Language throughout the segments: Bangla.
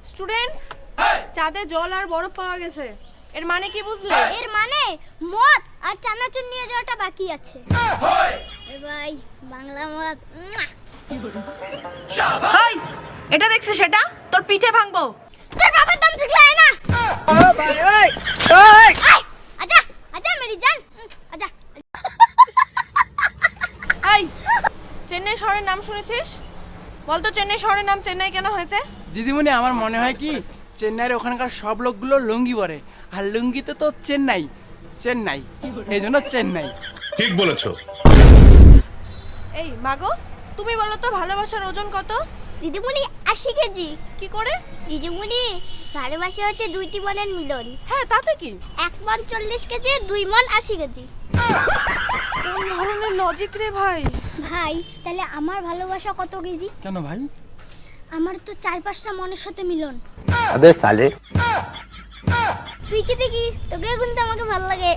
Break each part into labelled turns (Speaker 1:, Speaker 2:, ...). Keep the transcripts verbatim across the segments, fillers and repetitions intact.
Speaker 1: স্টুডেন্টস, চাঁদে জল আর বরফ পাওয়া গেছে। এর মানে কি বুঝলে?
Speaker 2: এর মানে মদ আর চানাচুর নিয়ে যাওয়াটা বাকি আছে। এ ভাই বাংলা মদ।
Speaker 1: এই, এটা দেখছিস? সেটা তোর পিঠে ভাঙবো।
Speaker 2: তোর বাবার দম শিখলাই না।
Speaker 1: ও ভাই ওই ওই
Speaker 2: আজা আজা মেরি জান আজা।
Speaker 1: এই, চেন্নাই শহরের নাম শুনেছিস? বলতো চেন্নাই শহরের নাম চেন্নাই কেন হয়েছে?
Speaker 3: দিদিমণি, আমার মনে হয় কি চেন্নাইয়ের ওখানকার সব লোকগুলো লুঙ্গি পরে, আর লুঙ্গিতে তো চেন্নাই চেন্নাই এই জন্য চেন্নাই।
Speaker 4: ঠিক বলেছো।
Speaker 1: এই মাগো, তুমি বলো তো ভালোবাসার ওজন কত?
Speaker 2: দিদিমণি আশি কেজি।
Speaker 1: কি করে?
Speaker 2: দিদিমণি ভালোবাসা হচ্ছে দুইটি মনের মিলন।
Speaker 1: হ্যাঁ, তাতে কি?
Speaker 2: এক মন চল্লিশ কেজি, দুই মন আশি কেজি।
Speaker 1: কোন ধরনের লজিক রে ভাই?
Speaker 2: ভাই তাহলে আমার ভালোবাসা কত কেজি?
Speaker 3: কেন ভাই?
Speaker 2: আমার তো চার পাঁচটা মনের সাথে মিলন।
Speaker 5: अबे साले
Speaker 2: তুই কি দেখিস? তোকে কিন্তু আমাকে ভালো লাগে।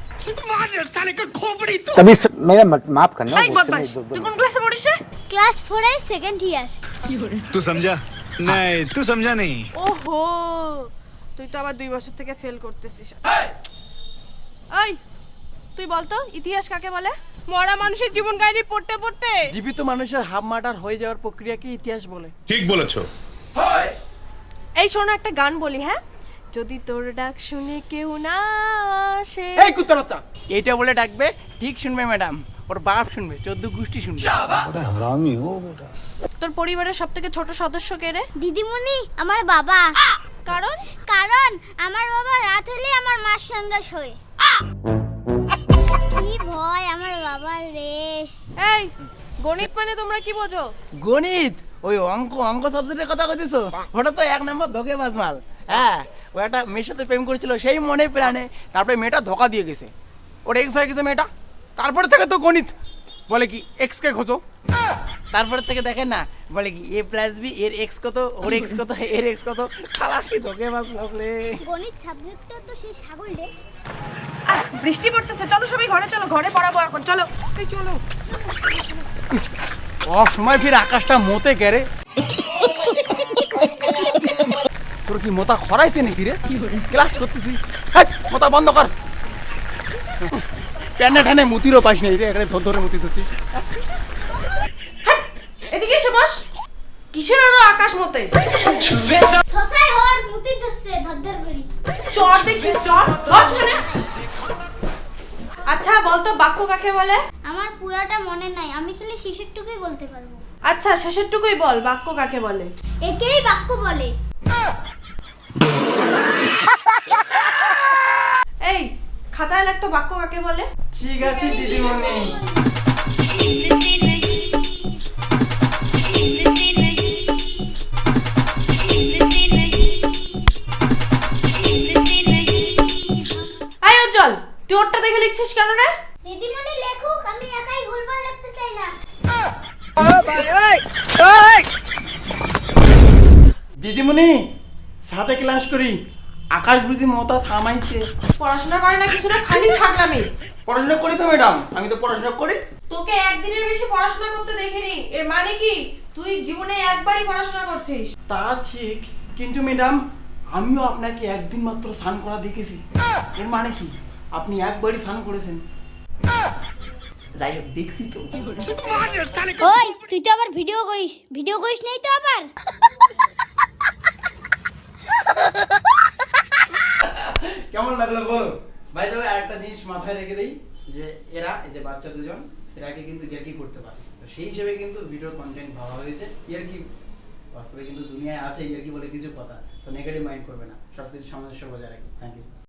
Speaker 5: तभी स... मेरा मत, माफ करना
Speaker 1: এই বদমাশ, তুই কোন ক্লাসে পড়িস রে?
Speaker 2: ক্লাস ফোর এর সেকেন্ড ইয়ার।
Speaker 6: तू समझा नहीं, तू समझा नहीं।
Speaker 1: ওহো, তুই তো আবার দুই বছর থেকে ফেল করতেছিস। এই, তুই বলতো ইতিহাস কাকে বলে? মরা মানুষের জীবন কাহিনী পড়তে পড়তে
Speaker 3: জীবিত মানুষের হাফ মার্টার হয়ে যাওয়ার প্রক্রিয়াকে ইতিহাস বলে।
Speaker 4: ঠিক বলেছো।
Speaker 1: এই শোনো, একটা গান বলি, হ্যাঁ? যদি তোর ডাক শুনে কেউ না আসে।
Speaker 3: এই কুত্তার বাচ্চা, এইটা বলে ডাকবে, ঠিক শুনবে ম্যাডাম, ওর বাপ শুনবে, চোদ্দ গোষ্ঠী শুনবে।
Speaker 5: हरामी हो बेटा।
Speaker 1: তোর পরিবারের সবথেকে ছোট সদস্য কে রে?
Speaker 2: দিদিমণি আমার বাবা।
Speaker 1: কারণ
Speaker 2: কারণ আমার বাবা রাত হলে আমার মার সঙ্গে শোয়। কি ভয় আমার বাবার রে।
Speaker 1: এই, গণিত মানে তোমরা কি বোঝো?
Speaker 3: গণিত ওই অঙ্ক অঙ্ক সাবজেক্টের কথা কইতেছো? ওটা তো এক নম্বর ধোকে বাজমাল। হ্যাঁ, ও একটা মেয়ের সাথে প্রেম করেছিল সেই মনে প্রাণে, তারপরে মেয়েটা ধোকা দিয়ে গেছে, ওর এক্স হয়ে গেছে মেয়েটা। তারপরে থেকে তো গণিত বলে কি এক্স কে খোঁজো, তারপরে থেকে দেখেন না বলে কি এ প্লাস বি এর এক্স কত, ওর এক্স কত, এর এক্স কত। সালা কি ধোকে বাজ লাগলে।
Speaker 2: গণিত সাবজেক্টটা তো সেই ছাগল রে।
Speaker 1: আহ, বৃষ্টি পড়তেছে, চলো সবাই ঘরে চলো, ঘরে পড়াবো এখন, চলো। এই চলো।
Speaker 3: অসময় ফির আকাশটা মতে গেরে। তোর কি মোতা খরাইছে নাকি রে? ক্লাস করতেছি, হ্যাঁ মোতা বন্ধ কর। প্যান্ডা ঠানে মুতিরও পাইস নাই রে, এখানে ধর ধরে মুতি ধরছিস।
Speaker 1: এদিকে এসে বস। কিসের আরো আকাশ মতে?
Speaker 2: সসাই হর মুতি ধরছে ধরধর করি।
Speaker 1: চর দেখছিস? চর বস এখানে। আচ্ছা বলতো বাক্য কাকে বলে?
Speaker 2: আমার পুরাটা মনে নাই, আমি খালি শেষেরটুকুই বলতে পারবো।
Speaker 1: আচ্ছা শেষেরটুকুই বল, বাক্য কাকে বলে?
Speaker 2: একেই বাক্য বলে।
Speaker 1: এই, খাতায় লাগতো বাক্য কাকে বলে?
Speaker 3: ঠিক আছে দিদিমণি।
Speaker 1: আয় উজ্জ্বল, তুই ওরটা দেখে লিখছিস কেন রে?
Speaker 2: দিদিমণি লেখুক, আমি একাই ভুলভাল লিখতে চাই না।
Speaker 3: দিদিমণি সাথে ক্লাস করি, আকাশ বুঝি মোতা থামাইছে।
Speaker 1: পড়াশোনা করে না কিছু না, খালি ছাগলামি।
Speaker 3: পড়াশোনা করি তো ম্যাডাম, আমি তো পড়াশোনা করি।
Speaker 1: তোকে একদিনের বেশি পড়াশোনা করতে দেখিনি। এর মানে কি তুই জীবনে একবারই পড়াশোনা করছিস?
Speaker 3: তা ঠিক, কিন্তু ম্যাডাম আমিও আপনাকে একদিন মাত্র স্নান করা দেখেছি। এর মানে কি আপনি একবারই স্নান করেছেন? যাই হোক, দেখছি তো।
Speaker 2: ওই তুই তো আবার ভিডিও করিস, ভিডিও করিস নাই তো আবার?
Speaker 3: কেমন লাগলো বল ভাই? তবে আরেকটা জিনিস মাথায় রেখে দেই যে এরা এই যে বাচ্চা দুজন সেরাকে কিন্তু ইয়ার্কি করতে পারে, তো সেই হিসেবে কিন্তু ভিডিও কন্টেন্ট ভাবা হয়েছে। ইয়ার্কি বাস্তবে কিন্তু দুনিয়ায় আছে ইয়ার্কি বলে কিছু কথা, সো নেগেটিভ মাইন্ড করবে না, সব কিছু সামঞ্জস্য বজায় রাখি। Thank you.